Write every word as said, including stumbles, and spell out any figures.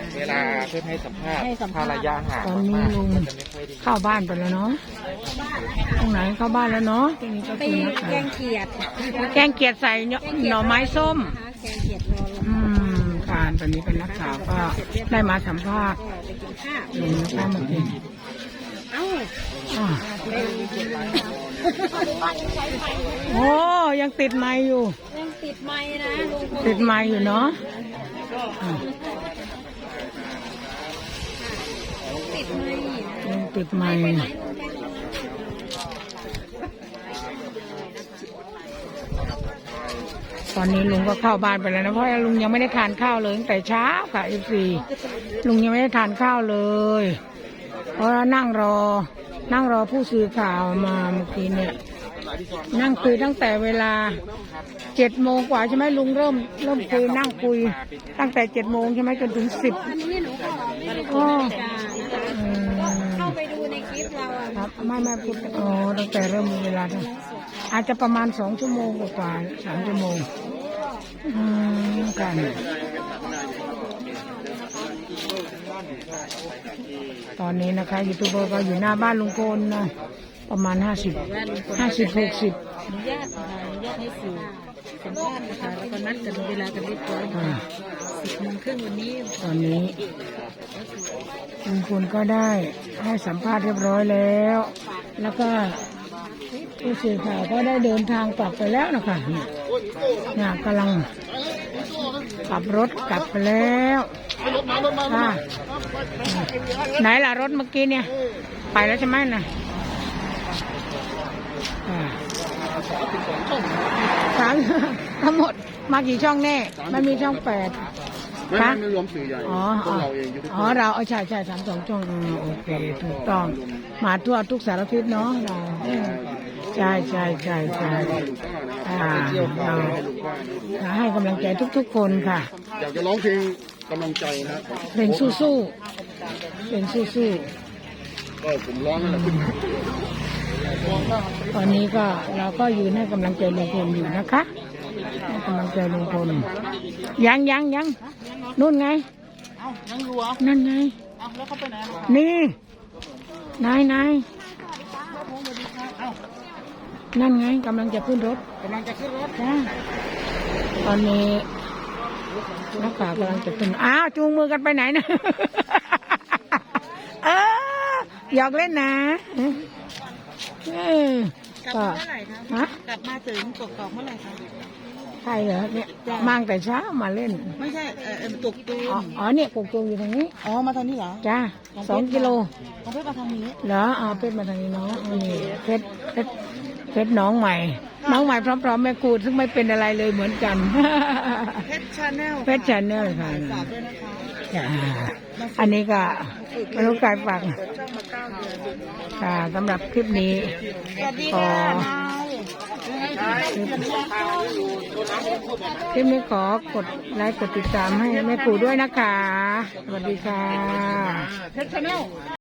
เวลาเพื่อนให้สัมภาษณ์ถ้าระยะห่างตอนนี้ลุงเข้าบ้านไปแล้วเนาะตรงไหนเข้าบ้านแล้วเนาะตรงนี้ก็ไปคือแกงเขียดแกงเขียดใส่หน่อไม้ส้มแกงเขียดรอลงอืมการตอนนี้เป็นนักข่าวก็ได้มาสัมภาษณ์ไปกินข้าวลุงนะคะเมื่อกี้เอ้าอ่าโอ้ยังติดไม้อยู่ยังติดไม้นะลุงติดไม้อยู่เนาะอ่าติดไม้ยังติดไม้ไปไหนลุงไปไหนตอนนี้ลุงก็เข้าบ้านไปแล้วนะเพราะลุงยังไม่ได้ทานข้าวเลยตั้งแต่เช้าค่ะเอฟซีลุงยังไม่ได้ทานข้าวเลย เพราะนั่งรอ นั่งรอผู้สื่อข่าวมาเมื่อกี้เนี่ย นั่งคุยตั้งแต่เวลาเจ็ดโมงกว่าใช่ไหมลุงเริ่มเริ่มคุยนั่งคุยตั้งแต่เจ็ดโมงใช่ไหมจนถึงสิบอันนี้หนูก็ไม่ได้ก็เข้าไปดูในคลิปเราอะครับไม่ไม่พูดอ๋อตั้งแต่เริ่มมีเวลาตั้งอาจจะประมาณสองชั่วโมงกว่าสามชั่วโมงอืมกันตอนนี้นะคะยูทูบเบอร์ก็อยู่หน้าบ้านลุงพลนะประมาณห้าสิบห้าสิบหกสิบอนุญาตนะคะอนุญาตให้สื่อสัมภาษณ์นะคะแล้วก็นัดกันเวลากันเรียบร้อยนะคะสิบโมงครึ่งวันนี้ตอนนี้ลุงพลก็ได้ให้สัมภาษณ์เรียบร้อยแล้ว แล้วก็ผู้สื่อข่าวก็ได้เดินทางกลับไปแล้วนะคะเนี่ยเนี่ยกำลังขับรถกลับไปแล้วค่ะไหนล่ะรถเมื่อกี้เนี่ยไปแล้วใช่ไหมน่ะอ่าสามทั้งหมดมากี่ช่องแน่มันมีช่องแปดไม่ไม่ไม่รวมสื่อใหญ่อ๋อพวกเราเองยูทูบอ๋อเราเอาใช่ใช่สามสองช่องอืมโอเคถูกต้องมาทั่วทุกสารทิศเนาะเราใช่ใช่ใช่ใช่อ่าเราเราให้กำลังใจทุกๆคนค่ะอยากจะร้องเพลงกำลังใจนะครับเพลงสู้ๆเพลงสู้ก็ผมร้องนั่นแหละขึ้นมาๆตอนนี้ก็เราก็ยืนให้กำลังใจลุงพลอยู่นะคะให้กำลังใจลุงพลยังยังยังนู่นไงเอ้ายังอยู่เหรอนั่นไงเอ้าแล้วเขาไปไหนล่ะนี่นายนายนั่นไงกำลังจะขึ้นรถกำลังจะขึ้นรถจ้าตอนนี้นักข่าวกำลังจะขึ้นอ้าวจูงมือกันไปไหนนะ เออหยอกเล่นนะเออกลับก็มาเมื่อไหร่คะฮะกลับมาถึงกกอกเมื่อไหร่คะใช่เหรอเนี่ยมาตั้งแต่เช้ามาเล่นไม่ใช่เออเออตกตูอ๋ออ๋อเนี่ยปลูกตูอยู่ตรงนี้อ๋อมาทางนี้เหรอจ้าสองกิโลของเพื่อนมาทางนี้เหรอเอาเพชรมาทางนี้เนาะเอานี่เพชรเพชรเพชรน้องใหม่ น้องใหม่พร้อมๆแม่กูดซึ่งไม่เป็นอะไรเลยเหมือนกันเพชรชาแนลเพชรชาแนลค่ะฝากด้วยนะคะจ้าอันนี้ก็ไม่รู้กายฝากเปิดช่องมาเก้าเดือนค่ะสำหรับคลิปนี้สวัสดีขอค่ะนายคลิปคลิปนี้ขอกดไลค์กดติดตามให้แม่ปู่ด้วยนะคะ สวัสดีค่ะเพชรชาแนล